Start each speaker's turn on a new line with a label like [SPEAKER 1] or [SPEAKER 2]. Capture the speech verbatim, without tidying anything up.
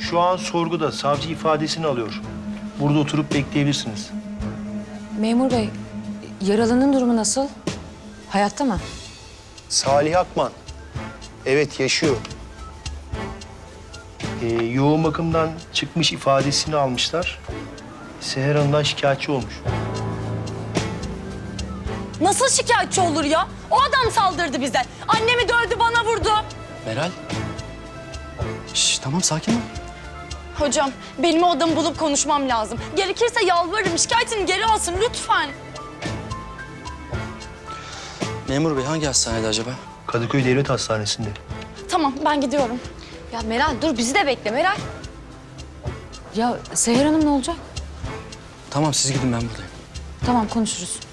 [SPEAKER 1] Şu an sorguda savcı ifadesini alıyor. Burada oturup bekleyebilirsiniz.
[SPEAKER 2] Memur bey, yaralının durumu nasıl? Hayatta mı?
[SPEAKER 1] Salih Akman. Evet, yaşıyor. Ee, yoğun bakımdan çıkmış ifadesini almışlar. Seher Hanım'dan şikayetçi olmuş.
[SPEAKER 3] Nasıl şikayetçi olur ya? O adam saldırdı bize. Annemi dövdü, bana vurdu.
[SPEAKER 4] Meral. Şş, tamam sakin ol.
[SPEAKER 3] Hocam, benim o adamı bulup konuşmam lazım. Gerekirse yalvarırım, şikayetini geri alsın lütfen.
[SPEAKER 4] Memur bey hangi hastanede acaba?
[SPEAKER 1] Kadıköy Devlet Hastanesi'nde.
[SPEAKER 3] Tamam, ben gidiyorum.
[SPEAKER 2] Ya Meral dur bizi de bekle Meral. Ya Seher Hanım ne olacak?
[SPEAKER 4] Tamam siz gidin ben buradayım.
[SPEAKER 2] Tamam konuşuruz.